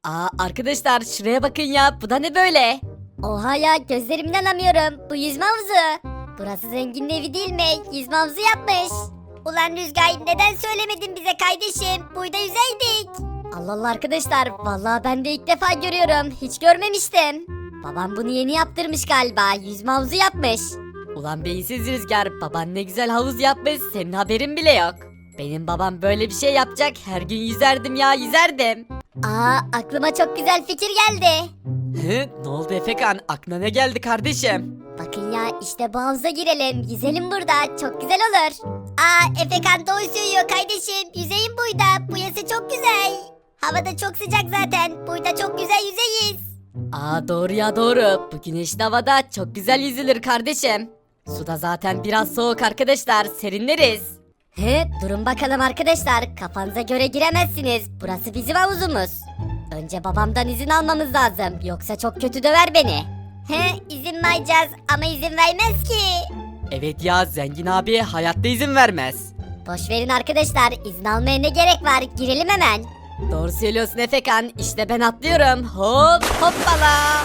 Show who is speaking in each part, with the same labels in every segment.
Speaker 1: Arkadaşlar şuraya bakın ya, bu da ne böyle?
Speaker 2: Oha ya, gözlerimden inanamıyorum. Bu yüzme havuzu. Burası zenginin evi değil mi? Yüzme havuzu yapmış. Ulan Rüzgar, neden söylemedin bize kardeşim? Burada yüzeydik. Allah Allah arkadaşlar, vallahi ben de ilk defa görüyorum. Hiç görmemiştim. Babam bunu yeni yaptırmış galiba. Yüzme havuzu yapmış.
Speaker 1: Ulan beyinsiz Rüzgar, baban ne güzel havuz yapmış, senin haberin bile yok. Benim babam böyle bir şey yapacak, her gün yüzerdim ya, yüzerdim.
Speaker 2: Aklıma çok güzel fikir geldi.
Speaker 1: Ne oldu Efekan, aklına ne geldi kardeşim?
Speaker 2: Bakın ya, işte bu havuza girelim. Yüzelim burada. Çok güzel olur. Efekan doğru söylüyor kardeşim. Yüzeyim burada. Bu yası çok güzel. Havada çok sıcak zaten. Burada çok güzel yüzeyiz.
Speaker 1: Doğru ya, doğru. Bu güneşli havada çok güzel yüzülür kardeşim. Suda zaten biraz soğuk arkadaşlar, serinleriz.
Speaker 2: Durun bakalım arkadaşlar. Kafanıza göre giremezsiniz. Burası bizim havuzumuz. Önce babamdan izin almamız lazım. Yoksa çok kötü döver beni. İzin mi alacağız ama izin vermez ki.
Speaker 1: Evet ya, zengin abi hayatta izin vermez.
Speaker 2: Boş verin arkadaşlar. İzin almaya ne gerek var? Girelim hemen.
Speaker 1: Doğru söylüyorsun Efekan, işte ben atlıyorum. Hop hoppala.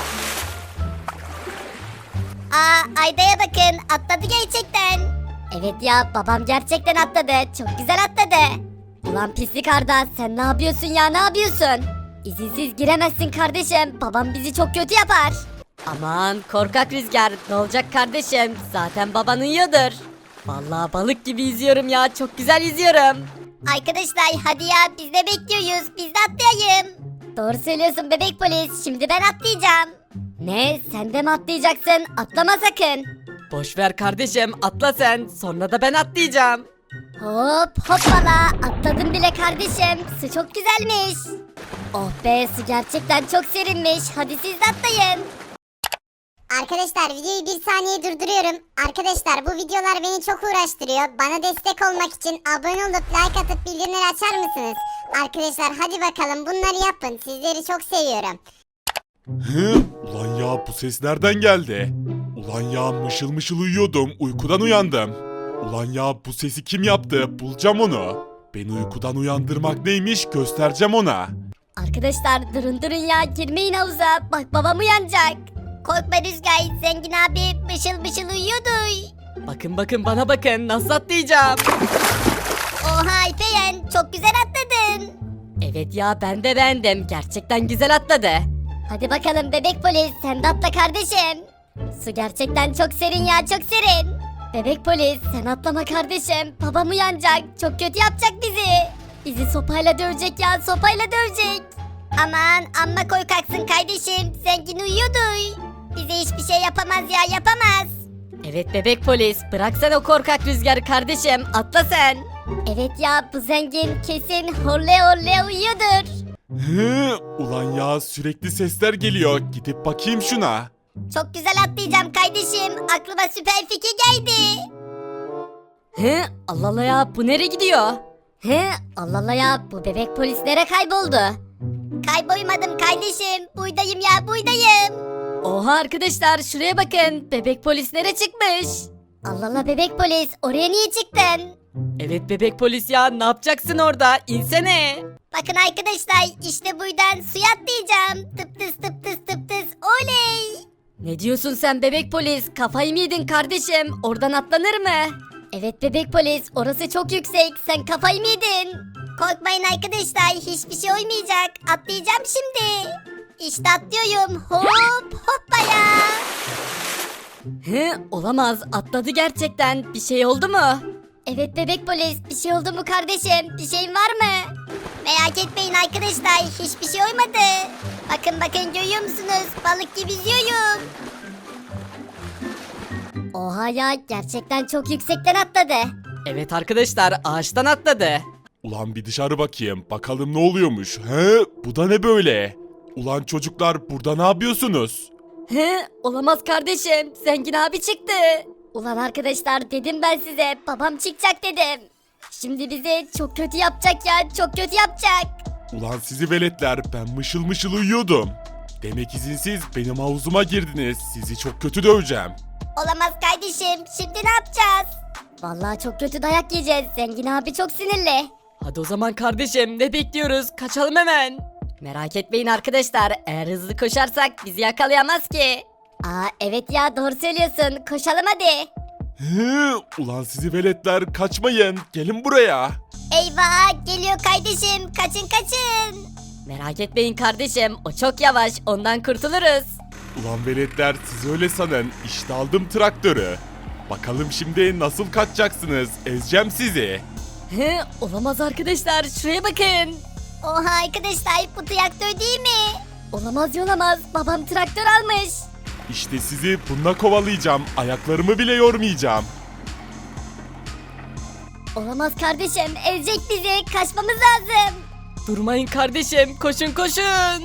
Speaker 2: Ayda'ya bakın, atladı gerçekten. Evet ya, babam gerçekten atladı. Çok güzel atladı. Ulan pislik Arda, sen ne yapıyorsun ya, ne yapıyorsun? İzinsiz giremezsin kardeşim. Babam bizi çok kötü yapar.
Speaker 1: Aman korkak Rüzgar, ne olacak kardeşim, zaten baban uyuyordur. Vallahi balık gibi yüzüyorum ya, çok güzel yüzüyorum.
Speaker 2: Arkadaşlar hadi ya, biz de bekliyoruz. Biz de atlayayım. Doğru söylüyorsun bebek polis. Şimdi ben atlayacağım. Ne? Sen de mi atlayacaksın? Atlama sakın.
Speaker 1: Boş ver kardeşim, atla sen, sonra da ben atlayacağım.
Speaker 2: Hop hoppala, atladım bile kardeşim. Su çok güzelmiş. Oh be, su gerçekten çok serinmiş. Hadi siz de atlayın.
Speaker 3: Arkadaşlar videoyu bir saniye durduruyorum. Arkadaşlar bu videolar beni çok uğraştırıyor. Bana destek olmak için abone olup like atıp bildirimleri açar mısınız? Arkadaşlar hadi bakalım bunları yapın. Sizleri çok seviyorum.
Speaker 4: Ulan ya bu ses nereden geldi? Ulan ya mışıl mışıl uyuyordum, uykudan uyandım. Ulan ya bu sesi kim yaptı? Bulacağım onu. Beni uykudan uyandırmak neymiş göstereceğim ona.
Speaker 2: Arkadaşlar durun ya, girmeyin havuza. Bak babam uyanacak. Korkma Rüzgar, zengin abi mışıl mışıl uyuyordu.
Speaker 1: Bakın bana bakın, nasıl atlayacağım.
Speaker 2: Oha Alperen, çok güzel atladın.
Speaker 1: Evet ya, ben de beğendim, gerçekten güzel atladı.
Speaker 2: Hadi bakalım bebek polis, sen de atla kardeşim. Su gerçekten çok serin ya, çok serin. Bebek polis, sen atlama kardeşim. Babam uyanacak, çok kötü yapacak bizi. Bizi sopayla dövecek ya, sopayla dövecek. Aman amma korkaksın kardeşim, zengin uyuyordu. Bize hiçbir şey yapamaz ya, yapamaz.
Speaker 1: Evet bebek polis, bırak sen o korkak Rüzgarı kardeşim, atla sen.
Speaker 2: Evet ya, bu zengin kesin horle horle uyuyordur.
Speaker 4: Ulan ya sürekli sesler geliyor. Gidip bakayım şuna.
Speaker 2: Çok güzel atlayacağım kardeşim, aklıma süper fikir geldi.
Speaker 1: Allah Allah ya, bu nereye gidiyor?
Speaker 2: Allah Allah ya, bu bebek polis nereye kayboldu? Kaybolmadım kardeşim, buradayım ya, buradayım.
Speaker 1: Oha arkadaşlar, şuraya bakın, bebek polis nereye çıkmış?
Speaker 2: Allah Allah bebek polis, oraya niye çıktın?
Speaker 1: Evet bebek polis ya, ne yapacaksın orada, insene.
Speaker 2: Bakın arkadaşlar, işte buradan suya atlayacağım. Tıp tıs tıp tıs tıp tıs, oley.
Speaker 1: Ne diyorsun sen bebek polis, kafayı mı yedin kardeşim, oradan atlanır mı?
Speaker 2: Evet bebek polis, orası çok yüksek, sen kafayı mı yedin? Korkmayın arkadaşlar, hiçbir şey olmayacak. Atlayacağım şimdi. İşte atlıyorum, hop hoppaya.
Speaker 1: Olamaz, atladı gerçekten, bir şey oldu mu?
Speaker 2: Evet bebek polis, bir şey oldu mu kardeşim? Bir şeyin var mı? Merak etmeyin arkadaşlar, hiçbir şey olmadı. Bakın görüyor musunuz? Balık gibi yüzüyorum. Oha ya, gerçekten çok yüksekten atladı.
Speaker 1: Evet arkadaşlar, ağaçtan atladı.
Speaker 4: Ulan bir dışarı bakayım. Bakalım ne oluyormuş. Bu da ne böyle? Ulan çocuklar burada ne yapıyorsunuz?
Speaker 1: Olamaz kardeşim, zengin abi çıktı.
Speaker 2: Ulan arkadaşlar, dedim ben size, babam çıkacak dedim. Şimdi bizi çok kötü yapacak ya, çok kötü yapacak.
Speaker 4: Ulan sizi veletler, ben mışıl mışıl uyuyordum. Demek izinsiz benim havuzuma girdiniz. Sizi çok kötü döveceğim.
Speaker 2: Olamaz kardeşim, şimdi ne yapacağız? Vallahi çok kötü dayak yiyeceğiz, zengin abi çok sinirli.
Speaker 1: Hadi o zaman kardeşim, ne bekliyoruz, kaçalım hemen. Merak etmeyin arkadaşlar, eğer hızlı koşarsak bizi yakalayamaz ki.
Speaker 2: Aa evet ya doğru söylüyorsun. Koşalım hadi.
Speaker 4: Ulan sizi veletler kaçmayın. Gelin buraya.
Speaker 2: Eyvah geliyor kardeşim. Kaçın kaçın.
Speaker 1: Merak etmeyin kardeşim, o çok yavaş, ondan kurtuluruz.
Speaker 4: Ulan veletler siz öyle sanın. İşte aldım traktörü. Bakalım şimdi nasıl kaçacaksınız? Ezeceğim sizi.
Speaker 1: Olamaz arkadaşlar, şuraya bakın.
Speaker 2: Oha arkadaşlar bu traktör değil mi? Olamaz olamaz. Babam traktör almış.
Speaker 4: İşte sizi bununla kovalayacağım. Ayaklarımı bile yormayacağım.
Speaker 2: Olamaz kardeşim. Ezecek bizi. Kaçmamız lazım.
Speaker 1: Durmayın kardeşim, koşun koşun.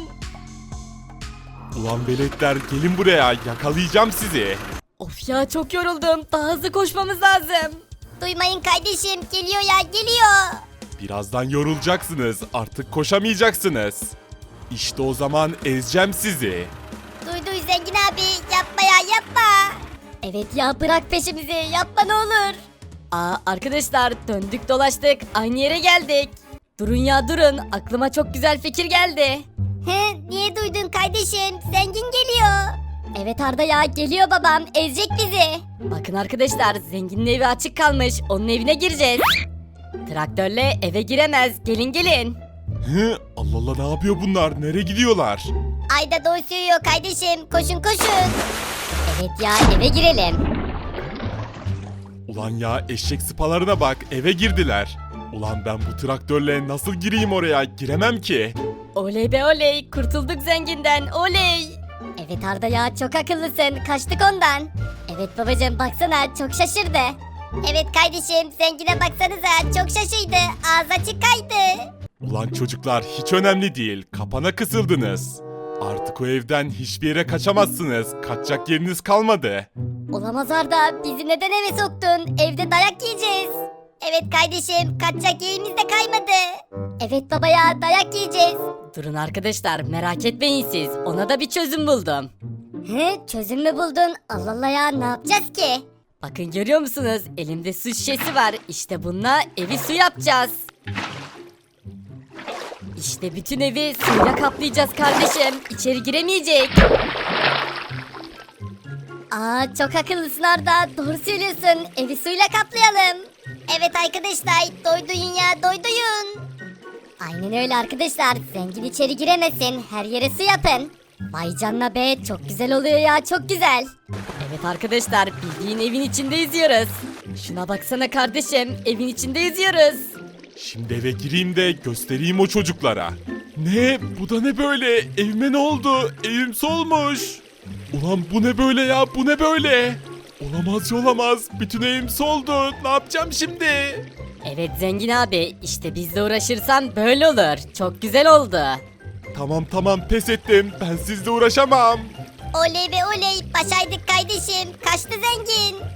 Speaker 4: Ulan veletler gelin buraya. Yakalayacağım sizi.
Speaker 1: Of ya, çok yoruldum, daha hızlı koşmamız lazım.
Speaker 2: Duymayın kardeşim. Geliyor ya geliyor.
Speaker 4: Birazdan yorulacaksınız. Artık koşamayacaksınız. İşte o zaman ezeceğim sizi.
Speaker 2: Duy zengin abi. Yapma ya yapma. Evet ya bırak peşimizi. Yapma ne olur.
Speaker 1: Aa arkadaşlar, döndük dolaştık, aynı yere geldik. Durun ya durun, aklıma çok güzel fikir geldi.
Speaker 2: He, niye duydun kardeşim? Zengin geliyor. Evet Arda ya geliyor babam. Ezecek bizi.
Speaker 1: Bakın arkadaşlar, zenginin evi açık kalmış, onun evine gireceğiz. Traktörle eve giremez, gelin gelin.
Speaker 4: Allah Allah, ne yapıyor bunlar? Nereye gidiyorlar?
Speaker 2: Ayda doğru söylüyor kardeşim. Koşun koşun. Evet ya eve girelim.
Speaker 4: Ulan ya, eşek sıpalarına bak, eve girdiler. Ulan ben bu traktörle nasıl gireyim oraya? Giremem ki.
Speaker 1: Oley be oley, kurtulduk zenginden, oley.
Speaker 2: Evet Arda ya çok akıllısın. Kaçtık ondan. Evet babacığım baksana çok şaşırdı. Evet kardeşim zengine baksanıza çok şaşırdı. Ağzı açık kaydı.
Speaker 4: Ulan çocuklar, hiç önemli değil. Kapana kısıldınız. Artık o evden hiçbir yere kaçamazsınız. Kaçacak yeriniz kalmadı.
Speaker 2: Olamaz Arda bizi neden eve soktun? Evde dayak yiyeceğiz. Evet kardeşim kaçacak yerimiz de kaymadı. Evet baba ya dayak yiyeceğiz.
Speaker 1: Durun arkadaşlar, merak etmeyin siz, ona da bir çözüm buldum.
Speaker 2: He çözüm mü buldun? Allah Allah ya ne yapacağız ki?
Speaker 1: Bakın görüyor musunuz? Elimde su şişesi var. İşte bununla evi su yapacağız. İşte bütün evi suyla kaplayacağız kardeşim. İçeri giremeyecek.
Speaker 2: Aa çok akıllısın Arda. Doğru söylüyorsun. Evi suyla kaplayalım. Evet arkadaşlar doyduyun ya doyduyun. Aynen öyle arkadaşlar. Zengin içeri giremesin. Her yere su yapın. Vay canına be çok güzel oluyor ya çok güzel.
Speaker 1: Evet arkadaşlar, bildiğin evin içinde yüzüyoruz. Şuna baksana kardeşim, evin içinde yüzüyoruz.
Speaker 4: Şimdi eve gireyim de göstereyim o çocuklara. Ne? Bu da ne böyle? Evime ne oldu? Evim solmuş. Ulan bu ne böyle ya? Bu ne böyle? Olamaz olamaz. Bütün evim soldu. Ne yapacağım şimdi?
Speaker 1: Evet zengin abi, işte bizle uğraşırsan böyle olur. Çok güzel oldu.
Speaker 4: Tamam pes ettim. Ben sizle uğraşamam.
Speaker 2: Oley be oley başardık kardeşim. Kaçtı zengin.